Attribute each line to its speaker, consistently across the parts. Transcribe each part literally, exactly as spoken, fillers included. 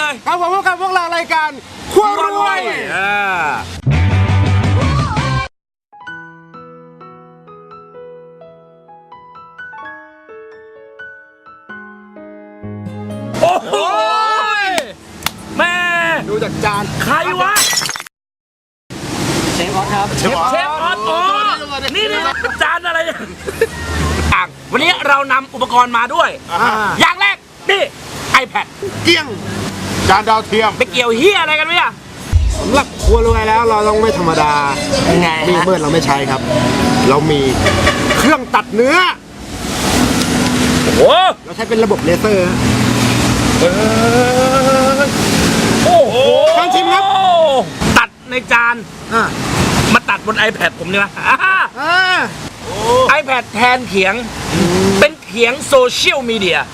Speaker 1: เลย
Speaker 2: ครับผมพบกับพวกเรารายการครัวรวย
Speaker 1: โอ้โหแม่
Speaker 2: ดูจากจาน
Speaker 1: ใครวะ
Speaker 2: เชฟออสครับ
Speaker 1: เชฟเชฟออสโอ้นี่นี่จานอะไรเนี่ยต่างวันนี้เรานำอุปกรณ์มาด้วยอย่างแรกนี่ iPad
Speaker 2: เกี้ยงจานดาวเทียม
Speaker 1: ไปเกี่ยวเฮียอะไรกันเนี่ย
Speaker 2: สำหรับครัวรวยแล้วเราต้องไม่ธรรมดา
Speaker 1: ยังไง
Speaker 2: มีเมื่อเราไม่ใช้ครับเรามีเครื่องตัดเนื้อ
Speaker 1: โอ้
Speaker 2: เราใช้เป็นระบบเลเซอร์
Speaker 1: โอ้โห
Speaker 2: ลองชิมครับ
Speaker 1: ตัดในจานมาตัดบน iPad ผมเนี่ยนะ iPad แทนเขียงเป็นเขียงโซเชียลมีเดีย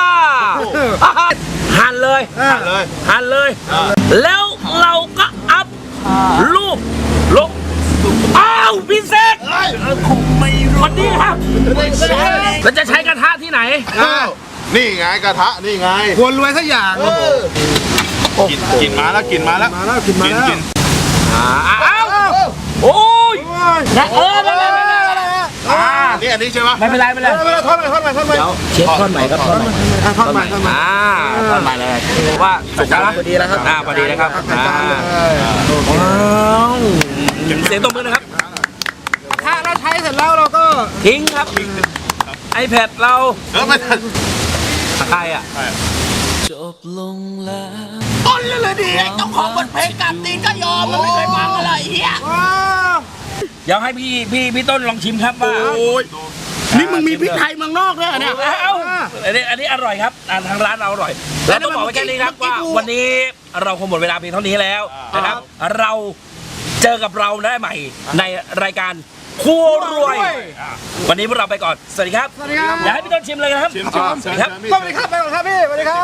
Speaker 1: หั่นเลย
Speaker 2: หั่นเลย
Speaker 1: หั่นเลยแล้วเราก็อัพรูปลงอ้าวพิเศษวันนี้ครับเราจะใช้กระทะที่ไหน
Speaker 3: นี่ไงกระทะนี่ไง
Speaker 2: ควรรวยสักอย่าง
Speaker 3: กินกินมาแล้วกินมาแล้ว
Speaker 2: มาแล้วกินมาแล้ว
Speaker 1: อ้าวโอ้ยนะเออไม่เป็นไร
Speaker 3: อ่านี่อันนี้ใช่ไหม
Speaker 1: ไม่เป็นไรไม่เป็นไร
Speaker 2: ทอดใหม่ทอดใหม่ทอดใหม่
Speaker 1: เดี๋ยวเช็คทอดใหม่ครับทอดใหม่
Speaker 2: ทอดใหม่ทอดใหม่
Speaker 1: อ่าทอดใหม่เลยว่าสุกแล้วพอดีแล้วครับอ่าพอดีแล้วครับอ่าว้าวเสียงตบมือนะครับ
Speaker 2: ถ้าเราใช้เสร็จแล้วเราก็
Speaker 1: ทิ้งครับ iPad เรา
Speaker 3: เออไม่ทัน
Speaker 1: ใครอ่ะ
Speaker 4: จบลงแล้ว
Speaker 1: ต้นเลยดิเจ้าของบทเพลงกัดตีนก็ยอมมันไม่เคยฟังอะไรเฮียเดี๋ยวให้พี่พี่พี่ต้นลองชิมครับว่า
Speaker 2: นี่มึงมีพริกไทยเมืองนอกด้วยเนี่ย
Speaker 1: อันนี้อันนี้อร่อยครับทางร้านเราอร่อยแล้วต้องบอกไว้แค่นี้ครับว่าวันนี้เราคงหมดเวลาเพียงเท่านี้แล้วนะครับเราเจอกับเราได้ใหม่ในรายการครัวรวยวันนี้พวกเราไปก่อนสวัสดีครับ
Speaker 2: สวัสดีครับ
Speaker 1: อยากให้พี่ต้นชิมเลยนะครับ
Speaker 2: สวัสดีครับสวัสดีครับไปก่อนครับพี่สวัสดีครับ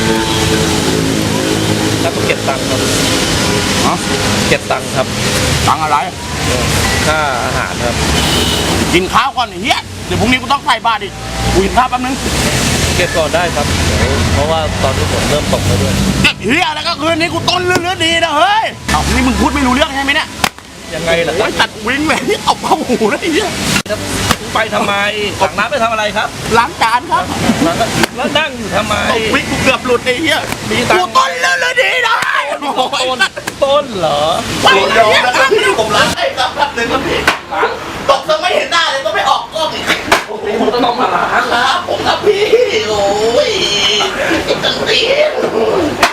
Speaker 1: แล้วก็เก็บตังค์ครับเก็บตังค์ครับ
Speaker 3: ตังอะไร
Speaker 1: ค่าอาหารครับ
Speaker 3: กินข้าวก่อนเฮียเดี๋ยวพรุ่งนี้กูต้องใส่บาตรอีกกูกินข้าวแป๊บนึง
Speaker 1: เก็บก่อนได้ครับเพราะว่าตอนนี้ฝนเริ่มตกแล้วด้วย
Speaker 3: เฮียแล้วก็คืนนี้กูต้นเรื่องเรื่องดีนะเฮ้ยเอานี่มึงพูดไม่รู้เรื่องใช่ไหมเนี่ย
Speaker 1: ยังไงล่ะครับ
Speaker 3: ตัดวิ่งเลยที่เอาเข้าหูเลยไอ้เหี้ย
Speaker 1: ไปทำไมตักน้ำไปทำอะไรครับ
Speaker 3: ล้างจานครับ
Speaker 1: แล้วนั่งอยู่ทำไม
Speaker 3: วิ่งกูเกือบหลุดไอ้เหี้ยกูต้นเรื่องเลยดีนะ
Speaker 1: ต้นต้นเหรอ
Speaker 3: ไปยอมนะครับพี่ผมล้างให้ครับครับหนึ่งครับพี่ตกซะไม่เห็นหน้าเลยต้องไม่ออกกล้องอีก
Speaker 1: ผมต้องมาล้าง
Speaker 3: ครับผมครับพี่โอ้ยไอ้ตังเตี้ย